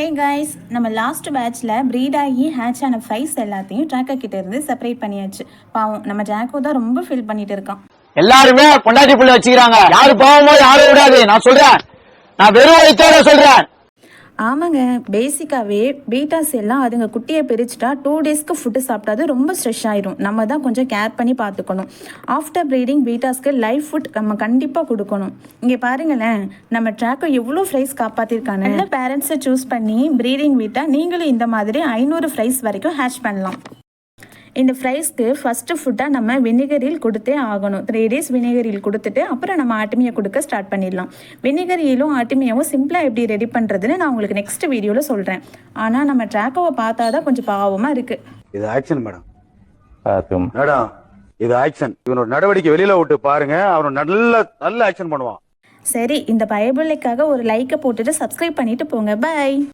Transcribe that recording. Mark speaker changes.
Speaker 1: ஹே guys, நம்ம last பேட்ச்சில் breed ஆகி ஹேட்ச் ஆன ஃப்ரைஸ் எல்லாத்தையும் ட்ராக்கர் கிட்ட இருந்து செப்பரேட் பண்ணியாச்சு. பாவம் நம்ம ஜாக்கோ தான் ரொம்ப ஃபீல் பண்ணிட்டு இருக்கான்.
Speaker 2: எல்லாருமே பொண்டாட்டி புள்ள வச்சுக்கிறாங்க. யாரு பாவமோ யாரும் விடாது. நான் சொல்றேன், நான் வெறும் வயிற்றோட சொல்றேன்.
Speaker 1: ஆமாங்க, பேசிக்காகவே பீட்டாஸ் எல்லாம் அதுங்க குட்டியை பிரிச்சுட்டா 2 டேஸ்க்கு ஃபுட்டு சாப்பிட்டாது ரொம்ப ஸ்ட்ரெஸ் ஆயிரும். நம்ம தான் கொஞ்சம் கேர் பண்ணி பார்த்துக்கணும். ஆஃப்டர் ப்ரீடிங் பீட்டாஸ்க்கு லைஃப் ஃபுட் நம்ம கண்டிப்பாக கொடுக்கணும். இங்கே பாருங்களேன், நம்ம ட்ராக்கோ எவ்வளோ ஃப்ரைஸ் காப்பாற்றிருக்காங்க. நல்ல பேரண்ட்ஸை சூஸ் பண்ணி ப்ரீடிங் விட்டால் நீங்களும் இந்த மாதிரி 500 ஃப்ரைஸ் வரைக்கும் ஹேட்ச் பண்ணலாம். இந்த ஃப்ரைஸ்க்கு ஃபஸ்ட்டு ஃபுட்டாக நம்ம வினிகரில் கொடுத்தே ஆகணும். 3 டேஸ் வினிகரில் கொடுத்துட்டு அப்புறம் நம்ம ஆட்டுமியை கொடுக்க ஸ்டார்ட் பண்ணிடலாம். வினிகரியிலும் ஆட்டுமியாவும் சிம்பிளாக எப்படி ரெடி பண்ணுறதுன்னு நான் உங்களுக்கு நெக்ஸ்ட் வீடியோவில் சொல்கிறேன். ஆனால் நம்ம ட்ராக்கோவை பார்த்தா தான் கொஞ்சம் பாவமாக இருக்குது.
Speaker 3: இது ஆக்ஷன் மேடம். மேடம், இது ஆக்ஷன். இவனோட நடவடிக்கை வெளியில விட்டு பாருங்க, அவன் நல்ல ஆக்ஷன் பண்ணுவான்.
Speaker 1: சரி, இந்த பயபிள்ளைக்காக ஒரு லைக்கை போட்டுட்டு சப்ஸ்கிரைப் பண்ணிட்டு போங்க. பை.